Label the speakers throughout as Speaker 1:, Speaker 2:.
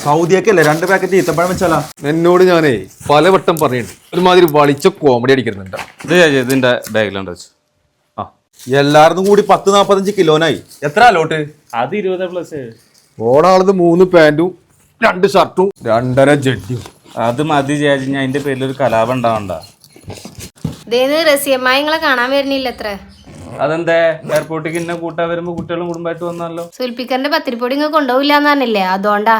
Speaker 1: സൗദിയൊക്കെയല്ലേ 2 packet ഈത്തപ്പഴം വെച്ചാലാ?
Speaker 2: എന്നോട് ഞാനേ പലവട്ടം പറയുന്നുണ്ട് ഒരുമാതിരി വളിച്ച കോമഡി അടിക്കുന്നുണ്ട്.
Speaker 1: ഇതിന്റെ ബാഗിലുണ്ട് വെച്ചു. എല്ലാവർക്കും കൂടി 10-45 കിലോനായി. എത്ര അലോട്ട്?
Speaker 3: അത് 20+.
Speaker 2: ഓടാളത് 3 പാന്റും 2 ഷർട്ടും 2.5 ജഡ്ഡിയും.
Speaker 3: അത് മതി ചേച്ചി, ഞാൻ അതിന്റെ പേരിൽ ഒരു കലാപം ഉണ്ടാവണ്ട.
Speaker 4: റസിയമ്മായി നിങ്ങളെ കാണാൻ വരുന്നില്ല അത്ര.
Speaker 3: അതെന്താ എയർപോർട്ടിൽ ഇന്നെ കൂട്ടാൻ വരുമ്പോ കുട്ടികളും കുടുംബമായിട്ട് വന്നല്ലോ.
Speaker 4: സുൽപ്പിക്കറിന്റെ പത്തിരിപ്പൊടി ഇങ്ങ് കൊണ്ടുപോയില്ലാന്ന് പറഞ്ഞില്ലേ, അതുകൊണ്ടാ.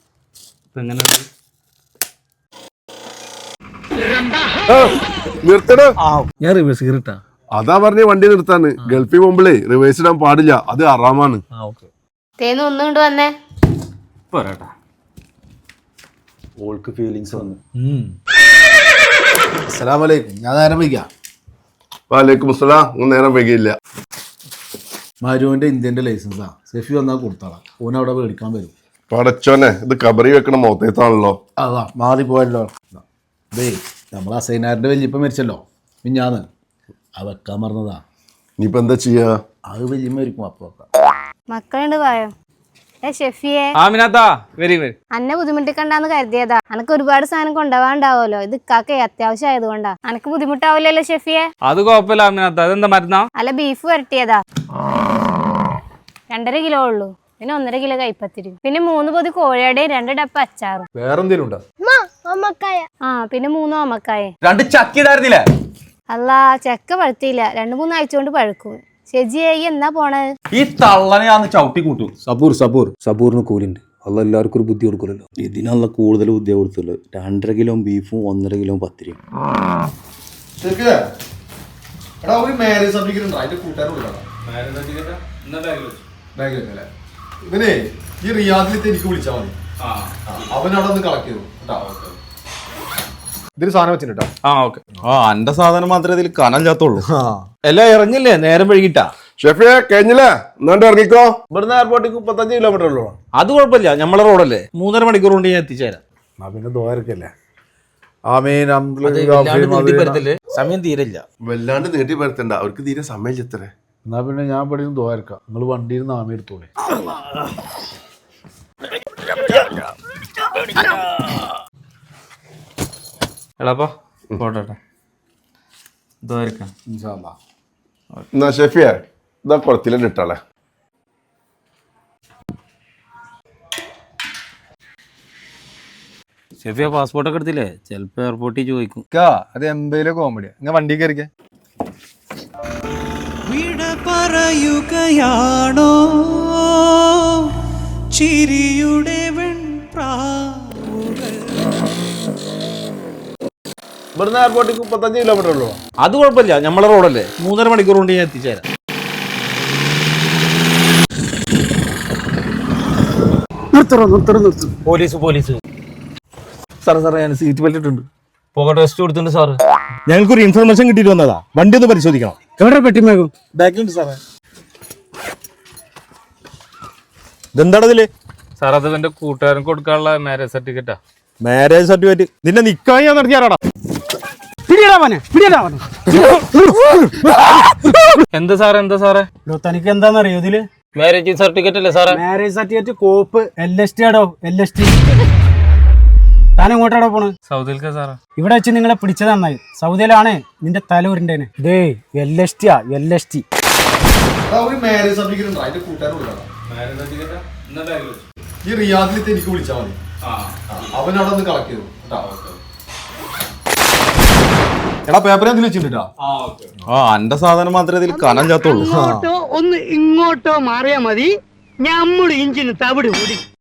Speaker 5: നിർത്തണോ?
Speaker 2: ഞാൻ റിവേഴ്സ് കയറിട്ടാ.
Speaker 5: അതാ പറഞ്ഞ വണ്ടി നിർത്താന്ന്. ഗൾഫിൽ പോകുമ്പോഴേ റിവേഴ്സ് ഇടാൻ പാടില്ല, അത് ഹറാമാണ്.
Speaker 4: തേന്ന് ഒന്നും കൊണ്ട് വന്നേ.
Speaker 3: പോരാട്ടാ,
Speaker 1: ഓൾക്ക് ഫീലിങ്സ് വന്നു.
Speaker 2: അസ്സലാമലൈക്കും. ഞാൻ നേരം വൈകാം.
Speaker 5: വാലേക്കും അസ്സലാം. നേരം വൈകിയില്ല.
Speaker 2: മരുവിന്റെ ഇന്ത്യന്റെ ലൈസൻസാ. സെഫി വന്നാൽ കൊടുത്താളാ. ഓൻ അവിടെ മേടിക്കാൻ വരും.
Speaker 5: പടച്ചോനെ, ഇത് കബറി വെക്കണ മൊത്തത്താണല്ലോ.
Speaker 2: അതാ മാറി പോയല്ലോ. അതേ നമ്മൾ അസൈനാറിന്റെ വല്യപ്പ മരിച്ചല്ലോ മിഞ്ഞാന്ന്, അത് വെക്കാൻ പറഞ്ഞതാ.
Speaker 5: ഇനിയിപ്പോ എന്താ ചെയ്യാ?
Speaker 2: അത് വല്യമ്മ മരിക്കും. അപ്പൊ
Speaker 4: മക്കളുണ്ട് പോയോ? ഷെഫിയെ അന്നെ ബുദ്ധിമുട്ടിക്കണ്ടെന്ന് കരുതിയതാ. അനക്ക് ഒരുപാട് സാധനം കൊണ്ടുപോകാണ്ടാവുമല്ലോ. ഇത് ഇക്കാക്കേ അത്യാവശ്യം ആയതുകൊണ്ടാ. അനക്ക് ബുദ്ധിമുട്ടാവില്ലല്ലോ ഷെഫിയെ?
Speaker 3: അത് കുഴപ്പമില്ല അമിനാത്ത. അതെന്താ മരുന്നാ?
Speaker 4: അല്ല, ബീഫ് വരട്ടിയതാ. 2.5 കിലോ ഉള്ളൂ. പിന്നെ 1.5 കിലോ കൈപ്പത്തിരി, പിന്നെ 3 പൊതി കോഴിയുടെയും 2 ഡപ്പ അച്ചാറും.
Speaker 2: വേറെന്തേലും ഉണ്ടോ?
Speaker 4: പിന്നെ 3 ഓമക്കായ.
Speaker 1: 2 ചക്കിടായിരുന്നില്ലേ?
Speaker 4: അല്ല, ചക്ക പഴുത്തിയില്ല. 2-3 ആഴ്ച കൊണ്ട് പഴുക്കും. ശരിയായി എന്നാ പോണത്?
Speaker 1: ഈ തള്ളനെ ഞാൻ ചവിട്ടി കൂട്ടും.
Speaker 6: സബൂറിന് കൂലിണ്ട്. അല്ല എല്ലാവർക്കും ഒരു ബുദ്ധി കൊടുക്കുമല്ലോ. ഇതിനുള്ള കൂടുതൽ ബുദ്ധി കൊടുത്തുള്ളൂ. 2.5 കിലോ ബീഫും 1.5 കിലോ പത്തിരിയും.
Speaker 2: ഇവനെ ഈ റിയാദിലത്തെ എനിക്ക് വിളിച്ചാൽ മതി. അവനവിടെ ഒന്ന് കളക്ട് ചെയ്തു. ഇതിന് സാധനം വെച്ചിട്ടാ.
Speaker 1: എന്റെ സാധനം മാത്രമേ ഇതിൽ കനല്ലാത്തുള്ളൂ.
Speaker 2: എല്ലാം ഇറങ്ങില്ലേ? നേരം വൈകിട്ടാ.
Speaker 5: ഷെഫിയെ കഴിഞ്ഞില്ലേ? എന്നാണ്ട് ഇറങ്ങിക്കോ.
Speaker 2: ഇവിടുന്ന് എയർപോർട്ടിക്ക് 35 കിലോമീറ്റർ ഉള്ളൂ.
Speaker 3: അത് കുഴപ്പമില്ല, നമ്മളെ റോഡല്ലേ. 3.5 മണിക്കൂർ കൊണ്ട് ഞാൻ എത്തിച്ചേരാം.
Speaker 2: പിന്നെ ദ്വാരക്കല്ലേ. ആമീൻ.
Speaker 3: സമയം തീരില്ല.
Speaker 5: വല്ലാണ്ട് നീട്ടി പരത്തണ്ട, അവർക്ക് തീരെ സമയം എത്രേ.
Speaker 2: എന്നാ പിന്നെ ഞാൻ ഇവിടെ ദ്വാരക്കാം. നിങ്ങൾ വണ്ടിയിൽ നിന്ന് ആമി എടുത്തോളെ.
Speaker 3: എളാപ്പാ പോട്ടെ.
Speaker 5: എന്നാ ഷെഫിയെ ഇതാ കുളത്തിലെ ഇട്ടാളെ.
Speaker 3: ഷെഫിയ പാസ്പോർട്ടൊക്കെ എടുത്തില്ലേ? ചിലപ്പോ എയർപോർട്ടിൽ ചോദിക്കും.
Speaker 2: അത് എംബയിലെ കോമഡിയാ. നിങ്ങൾ വണ്ടി കയറിക്കേ.
Speaker 7: വിട പറയുകയാണോ ചിരിയുടെ വെൺപ്രാവുകൾ?
Speaker 2: ഇവിടുന്ന് എയർപോർട്ടിക്ക് 35 കിലോമീറ്റർ ഉള്ളൂ.
Speaker 3: അത് കുഴപ്പമില്ല, നമ്മളെ റോഡല്ലേ. 3.5 മണിക്കൂർ കൊണ്ട് ഞാൻ എത്തിച്ചേരാം. പോലീസ്
Speaker 2: സാറേ ഞാൻ സീറ്റ് ബെൽറ്റ് ഇട്ടുണ്ട്.
Speaker 3: പോകട്ടെ, ടെസ്റ്റ് കൊടുത്തിട്ടുണ്ട് സാറ്.
Speaker 8: ഞങ്ങൾക്കൊരു ഇൻഫർമേഷൻ കിട്ടിയിട്ട് വന്നതാ. വണ്ടി ഒന്ന് പരിശോധിക്കണം.
Speaker 2: എവിടെ പെട്ടിമേകും? ബാക്കിലുണ്ട് സാറേ.
Speaker 8: ഇതെന്താണ് ഇതില്?
Speaker 3: സാർ, അത് എന്റെ കൂട്ടുകാരൻ കൊടുക്കാനുള്ള മാരേജ് സർട്ടിഫിക്കറ്റാ.
Speaker 8: Marriage certificate? നിന്നെ നിക്കായി ഞാൻ നടത്തിയാറാടാ.
Speaker 3: എന്താ സാറേ?
Speaker 7: തനിക്ക് എന്താണെന്നറിയോ ഇതില്?
Speaker 3: മാരേജ് സർട്ടിഫിക്കറ്റ് അല്ലേ സാറേ?
Speaker 7: മാരേജ് സർട്ടിഫിക്കറ്റ് കോപ്പ് LST ആടോ. LST. താൻ എങ്ങോട്ടാടോ പോണ്?
Speaker 3: സൗദിയിൽക്കാ സാറേ.
Speaker 7: ഇവിടെ വെച്ച് നിങ്ങളെ പിടിച്ചത് നന്നായി. സൗദിയിലാണ് നിന്റെ തല ഉരുണ്ടേന്. ദേ LST ആ, LST.
Speaker 2: മാരേജ് സർട്ടിഫിക്കറ്റ് ഉണ്ടോ? അതിന്റെ കൂട്ടുകാരൻ കൊടുക്കണം. ഈ റിയാദിലത്തെ എനിക്ക് വിളിച്ചാൽ മതി. അവനവിടെ ഒന്ന് കളക്ട് ചെയ്തു. എടാ പേപ്പർ എന്തെങ്കിലും വെച്ചിട്ടാ.
Speaker 1: എന്റെ സാധനം മാത്രമേ ഇതിൽ കനല്ലാത്തുള്ളൂ.
Speaker 9: ഒന്ന് ഇങ്ങോട്ടോ മാറിയാ മതി. ഞമ്മള് ഇഞ്ചിന് തവിട് കൂടി